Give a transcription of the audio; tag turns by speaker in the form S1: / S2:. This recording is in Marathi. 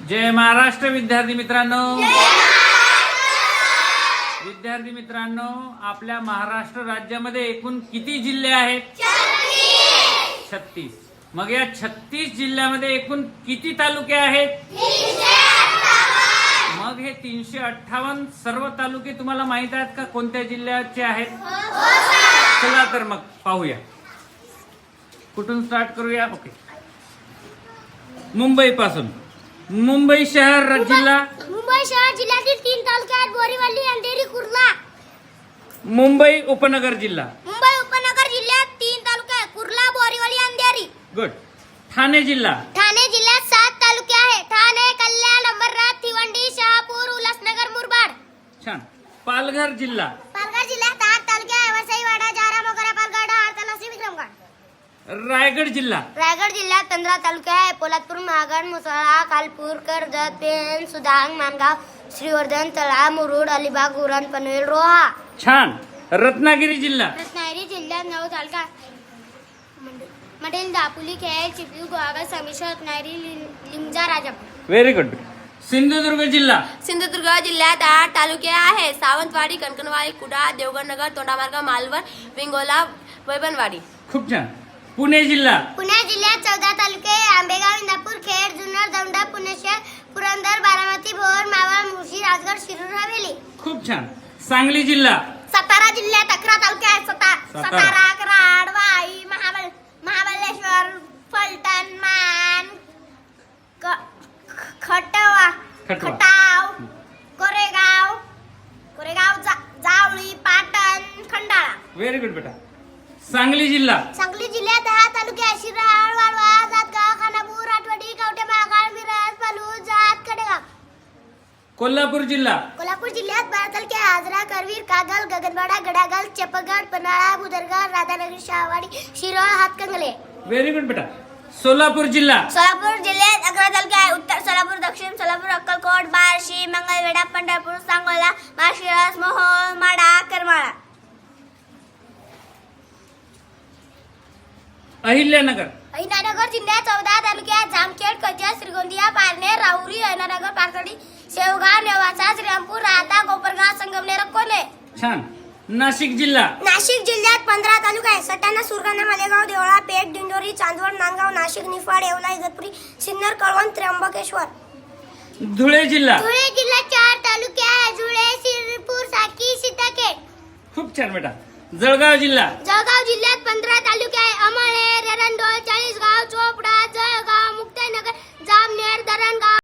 S1: जय महाराष्ट्र विद्यार्थी मित्रांनो, विद्यार्थी मित्रांनो, आपल्या महाराष्ट्र राज्यामध्ये एकूण किती जिल्हे आहेत? 36. मग या 36 जिल्ह्यामध्ये एकूण किती तालुके आहेत? मग हे 358 सर्व तालुके तुम्हाला माहित आहेत का कोणत्या जिल्ह्याचे आहेत? चला तर मग पाहूया, कुठून स्टार्ट करूया? ओके, मुंबई पासून. मुंबई शहर जिल्हा.
S2: मुंबई शहर जिल्ह्यातील 3 तालुके आहेत: बोरीवली, अंधेरी, कुर्ला.
S1: मुंबई उपनगर जिल्हा.
S2: मुंबई उपनगर जिल्ह्यात 3 तालुके आहेत: कुर्ला, बोरीवली, अंधेरी.
S1: गुड. ठाणे जिल्हा.
S2: ठाणे जिल्ह्यात 7 तालुके आहेत: ठाणे, कल्याण, अंबरनाथ, भिवंडी, शहापूर, उल्हासनगर, मुरबाड.
S1: छान. पालघर जिल्हा.
S2: पालघर जिल्ह्यात 8 तालुके आहेत: वसई, वाडा, जारा, मोगरा, पालघर, आरतलासी, विक्रमगड.
S1: रायगड जिल्हा.
S2: रायगड जिल्ह्यात 15 तालुके आहेत: पोलादपूर, महागड, मुसळा, कालपूर, कर्जत, पेण, सुदांग, मानगाव, श्रीवर्धन, तळा, मुरुड, अलिबाग, उरण, पनवेल, रोहा.
S1: छान. रत्नागिरी जिल्हा.
S2: रत्नागिरी जिल्ह्यात 9 तालुका: मटेल, दापोली, खेड, चिपळूण, गुहागर, संगमेश्वर, रत्नागिरी, लिमजा, राजापूर.
S1: Very good. सिंधुदुर्ग जिल्हा.
S3: सिंधुदुर्ग जिल्ह्यात 8 तालुके आहेत: सावंतवाडी, कणकणवाडी, कुडाळ, देवगडनगर, तोंडामार्ग, मालवण, विंगोला, वैभववाडी.
S1: खूप छान. पुणे जिल्हा.
S2: पुणे जिल्ह्यात 14 तालुके: आंबेगाव, इंदापूर, खेड, जुन्नर, दौंड, पुणेशहर, पुरंदर, बारामती, भोर, मावळ, मुळशी, राजगड, शिरूर, हवेली.
S1: खूप छान. सांगली जिल्हा.
S2: सातारा जिल्ह्यात 11 तालुके आहेत: सातारा, कराड, वाई, महाबळेश्वर, फलटण, मान, खटाव, कोरेगाव, जावळी, पाटण, खंडाळा.
S1: व्हेरी गुड बेटा. सांगली जिल्हा.
S2: सांगली जिल्ह्यात 10 तालुके आहेत: शिराळ, वाळवा, जातगाव, खानापूर, आटवडी, कवठे महाकाळ, मिरज, पलूस, जात, कडेगाव.
S1: कोल्हापूर जिल्हा.
S2: कोल्हापूर जिल्ह्यात 12 तालुके: आजरा, करवीर, कागल, गगनबावडा, गडागल, चपगड, पन्हाळा, बुदरगड, राधानगरी, शहावाडी, शिरोळ, हातकंगले.
S1: व्हेरी गुड बेटा. सोलापूर जिल्हा.
S2: सोलापूर जिल्ह्यात 11 तालुके आहेत: उत्तर सोलापूर, दक्षिण सोलापूर, अक्कलकोट, बार्शी, मंगळवेढा, पंढरपूर, सांगोला, माळशिरस, मोहोळ, माढा, करमाळा.
S1: अहिल्यानगर.
S2: अहिल्यानगर जिल्ह्यात 14 तालुके आहेत: जामखेड, कर्जत, श्रीगोंदिया, पारनेर, राहुरी, अहिल्यानगर, पाथर्डी, शेवगाव, नेवासा, श्रीरामपूर, राहता, कोपरगाव, संगमनेर, अकोले.
S1: छान. नाशिक जिल्हा.
S2: नाशिक जिल्ह्यात 15 तालुके आहेत: सटाणा, सुरगाणा, मालेगाव, देवळा, पेठ, दिंडोरी, चांदवड, नांदगाव, नाशिक, निफाड, येवला, इगतपुरी, सिन्नर, कळवण, त्र्यंबकेश्वर.
S1: धुळे जिल्हा.
S2: धुळे जिल्ह्यात 4 तालुके आहेत: धुळे, शिरपूर, साकी, सीताखेड.
S1: खूप छान बेटा. जळगाव जिल्हा.
S2: जळगाव जिल्ह्यात 15 तालुके आहेत: अमळनेर, एरंडोल, चाळीसगाव, चोपडा, जळगाव, मुक्ताईनगर, जामनेर, धरणगाव.